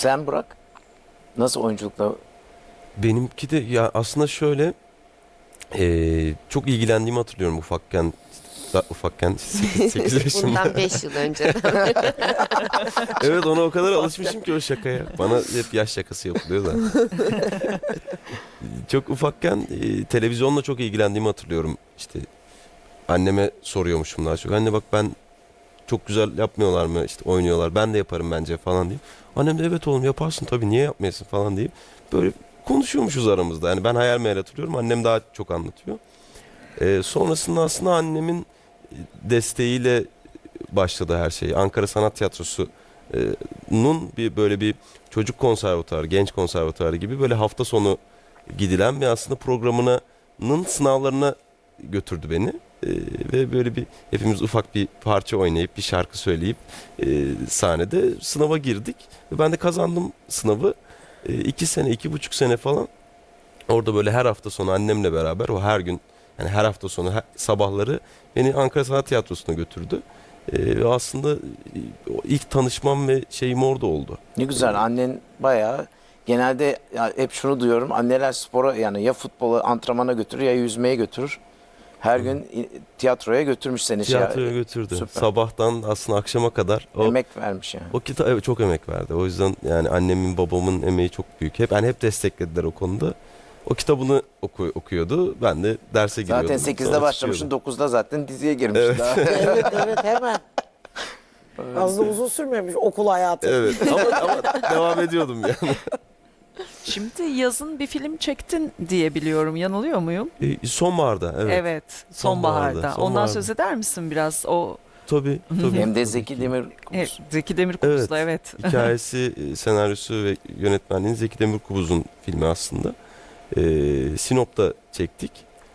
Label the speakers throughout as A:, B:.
A: Sen Burak, nasıl oyunculukla?
B: Benimki de ya aslında şöyle çok ilgilendiğimi hatırlıyorum ufakken 8 yaşında.
C: Bundan 5 yıl önce.
B: Evet, ona o kadar alışmışım ki o şakaya. Bana hep yaş şakası yapılıyor da. Çok ufakken televizyonla çok ilgilendiğimi hatırlıyorum. İşte anneme soruyormuşum daha çok. Anne bak, ben çok güzel yapmıyorlar mı? İşte oynuyorlar. Ben de yaparım bence falan diyeyim. Annem de evet oğlum yaparsın tabii, niye yapmayasın falan deyip böyle konuşuyormuşuz aramızda. Yani ben hayal meyal hatırlıyorum. Annem daha çok anlatıyor. Sonrasında aslında annemin desteğiyle başladı her şey. Ankara Sanat Tiyatrosu'nun böyle bir çocuk konservatuarı, genç konservatuarı gibi böyle hafta sonu gidilen bir aslında programının sınavlarına götürdü beni. Ve böyle bir hepimiz ufak bir parça oynayıp bir şarkı söyleyip sahnede sınava girdik. Ve ben de kazandım sınavı. 2 sene, 2,5 sene falan orada böyle her hafta sonu annemle beraber o her gün, yani her hafta sonu sabahları beni Ankara Sanat Tiyatrosu'na götürdü. Ve aslında o ilk tanışmam ve şeyim orada oldu.
A: Ne güzel, annen bayağı, genelde ya hep şunu duyuyorum, anneler spora, yani ya futbola, antrenmana götürür ya yüzmeye götürür. Her gün tiyatroya götürmüş seni.
B: Tiyatroya götürdü.
A: Süper.
B: Sabahtan aslında akşama kadar.
A: Emek vermiş yani.
B: O kitap evet, çok emek verdi. O yüzden yani annemin babamın emeği çok büyük. Hep desteklediler o konuda. O kitabını okuyordu. Ben de derse giriyordum.
A: Zaten 8'de
B: Sonra
A: başlamışsın,
B: çıkıyordum.
A: 9'da zaten diziye girmiş
B: Evet.
A: daha.
D: Evet evet, hemen. Fazla uzun sürmemiş okul hayatı.
B: Evet ama devam ediyordum yani.
E: Şimdi yazın bir film çektin diye biliyorum. Yanılıyor muyum?
B: Sonbaharda evet.
E: Evet, sonbaharda. Ondan
B: sonbaharda.
E: söz eder misin biraz? O
B: Tabii.
A: Hem de Zeki Demir.
E: Zeki Demirkubuz'la evet.
B: Hikayesi, senaryosu ve yönetmenliğini Zeki Demirkubuz'un filmi aslında. Sinop'ta çektik.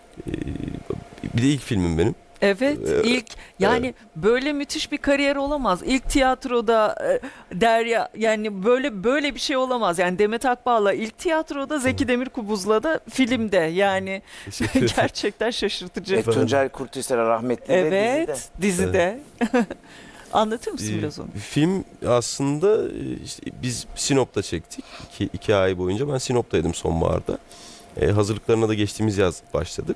B: Bir de ilk filmim benim.
E: Evet, ilk yani böyle müthiş bir kariyer olamaz. İlk tiyatroda Derya, yani böyle bir şey olamaz. Yani Demet Akbağ'la ilk tiyatroda, Zeki Demirkubuz'la da filmde. Yani
B: Teşekkür ederim.
E: gerçekten şaşırtıcı.
A: Tuncel Kurtüysel rahmetli de
E: Evet, dizide. Anlatır mısın biraz onu?
B: Film aslında işte biz Sinop'ta çektik. 2 ay boyunca ben Sinop'taydım sonbaharda. Hazırlıklarına da geçtiğimiz yaz başladık.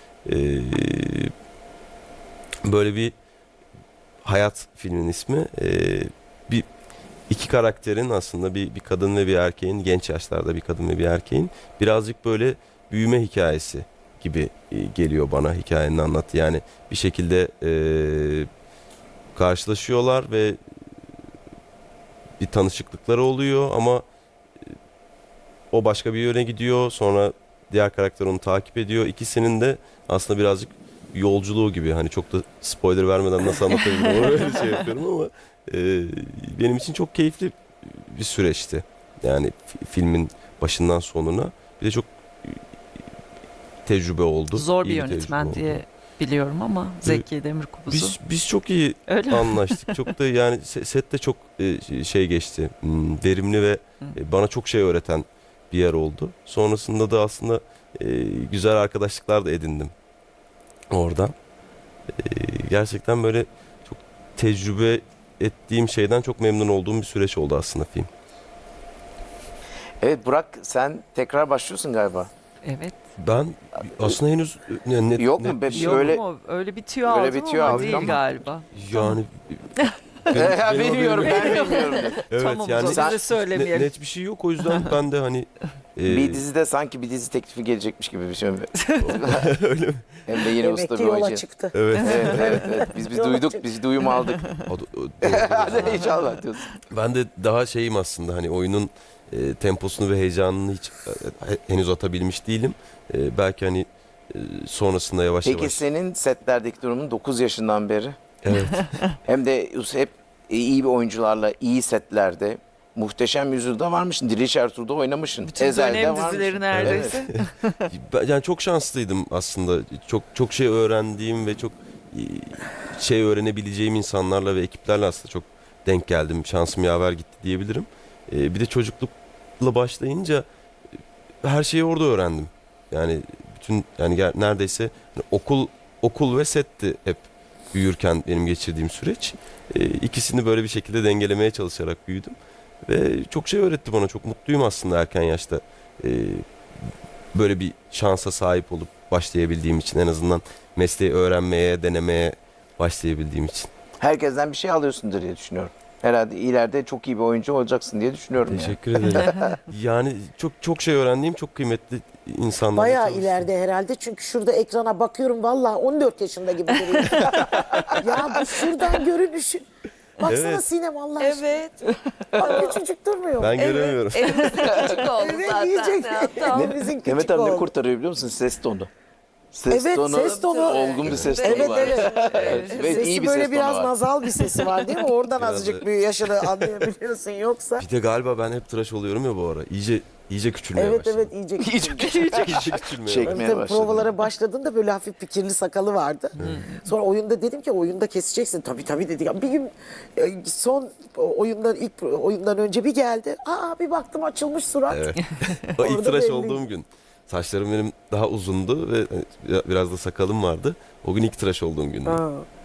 B: Böyle bir hayat filmin ismi. İki karakterin aslında bir kadın ve bir erkeğin, genç yaşlarda bir kadın ve bir erkeğin birazcık böyle büyüme hikayesi gibi geliyor bana hikayenin anlattığı. Yani bir şekilde karşılaşıyorlar ve bir tanışıklıkları oluyor ama o başka bir yöne gidiyor. Sonra diğer karakter onu takip ediyor. İkisinin de aslında birazcık yolculuğu gibi. Hani çok da spoiler vermeden nasıl anlatabilirim onu öyle şey yapıyorum ama benim için çok keyifli bir süreçti. Yani filmin başından sonuna. Bir de çok tecrübe oldu.
E: Zor bir
B: İyi
E: yönetmen
B: tecrübe
E: diye
B: oldu.
E: biliyorum ama Zeki Demirkubuz'u.
B: Biz çok iyi
E: Öyle mi?
B: anlaştık. Çok da yani sette çok şey geçti. Verimli ve bana çok şey öğreten bir yer oldu. Sonrasında da aslında güzel arkadaşlıklar da edindim oradan. Gerçekten böyle çok tecrübe ettiğim şeyden çok memnun olduğum bir süreç oldu aslında film.
A: Evet Burak, sen tekrar başlıyorsun galiba.
E: Evet.
B: Ben aslında henüz
A: Yok mu?
E: Yok
A: Öyle,
E: mu? Öyle bir tüyo aldım
A: öyle bir tüyo
E: ama
A: aldık
E: değil
A: ama.
E: galiba.
B: yani
A: bilmiyorum, ben
B: haberim yok.
A: bilmiyorum.
B: Evet
E: Tamam, o
B: yani
E: zaman biz de söylemeyelim.
B: net bir şey yok, o yüzden ben de hani
A: Bir dizide sanki bir dizi teklifi gelecekmiş gibi bir şey.
B: öyle mi?
A: Hem de yine
D: Demek
A: usta
D: ki
A: bir
D: yola
A: oyuncu.
D: çıktı.
B: Evet.
A: Evet. Biz
D: Yola
A: duyduk,
D: çıktı.
A: biz duyum aldık. Hadi inşallah diyorsun.
B: Ben de daha şeyim aslında, hani oyunun temposunu ve heyecanını hiç henüz atabilmiş değilim. Belki hani sonrasında yavaş
A: Peki
B: yavaş.
A: senin setlerdeki durumun 9 yaşından beri.
B: Evet.
A: Hem de hep iyi bir oyuncularla, iyi setlerde. Muhteşem Yüzyıl'da varmışsın. Diriliş Ertuğrul'da oynamışsın.
E: Bütün
A: Ezel'de
E: dönem
A: varmışsın.
E: dizileri neredeyse.
B: Yani çok şanslıydım aslında. Çok şey öğrendiğim ve çok şey öğrenebileceğim insanlarla ve ekiplerle aslında çok denk geldim. Şansım yaver gitti diyebilirim. Bir de çocuklukla başlayınca her şeyi orada öğrendim. Yani bütün neredeyse okul ve setti hep büyürken benim geçirdiğim süreç. İkisini böyle bir şekilde dengelemeye çalışarak büyüdüm. Ve çok şey öğretti bana. Çok mutluyum aslında erken yaşta. Böyle bir şansa sahip olup başlayabildiğim için, en azından mesleği öğrenmeye, denemeye başlayabildiğim için.
A: Herkesten bir şey alıyorsundur diye düşünüyorum. Herhalde ileride çok iyi bir oyuncu olacaksın diye düşünüyorum. Yani.
B: Teşekkür ederim. Yani çok şey öğrendiğim, çok kıymetli insanlarla
D: Bayağı
B: çalıştım.
D: ileride herhalde çünkü şurada ekrana bakıyorum vallahi 14 yaşında gibi duruyor. Ya bu şuradan görünüşün. Baksana
B: Evet.
D: Sinem Allah aşkına.
C: Evet.
D: Bak küçücük durmuyor.
B: Ben göremiyorum.
C: Evimizin küçük oldu
D: Evet
C: zaten.
D: yiyecek.
C: Ya, tamam.
D: Evimizin küçük
A: Mehmet abi ne
D: oldu.
A: kurtarıyor biliyor musun? Ses tonu. Ses
D: Evet,
A: tonu,
D: ses tonu.
A: olgun bir ses tonu
D: Evet
A: var.
D: evet.
A: Ve
D: Sesi
A: iyi bir
D: böyle
A: ses tonu
D: biraz
A: var.
D: nazal bir sesi var değil mi? Oradan
B: Biraz
D: azıcık
B: da-
D: bir yaşını anlayabiliyorsun yoksa.
B: Bir de galiba ben hep tıraş oluyorum ya bu ara. İyice küçülmeye
D: Evet
B: başladım.
D: evet iyice küçük.
B: İyice küçülmeye
A: Çek-
B: başladım.
A: Çekmeye
D: Tabii
A: başladın.
D: provalara başladığında böyle hafif fikirli sakalı vardı. Sonra oyunda dedim ki oyunda keseceksin. Tabii dedi. Ya bir gün son oyundan ilk oyundan önce bir geldi. Aa bir baktım açılmış surat.
B: Evet. O ilk
D: Orada
B: tıraş
D: belli.
B: olduğum gün. Saçlarım benim daha uzundu ve biraz da sakalım vardı. O gün ilk tıraş olduğum gündü.
D: Aa.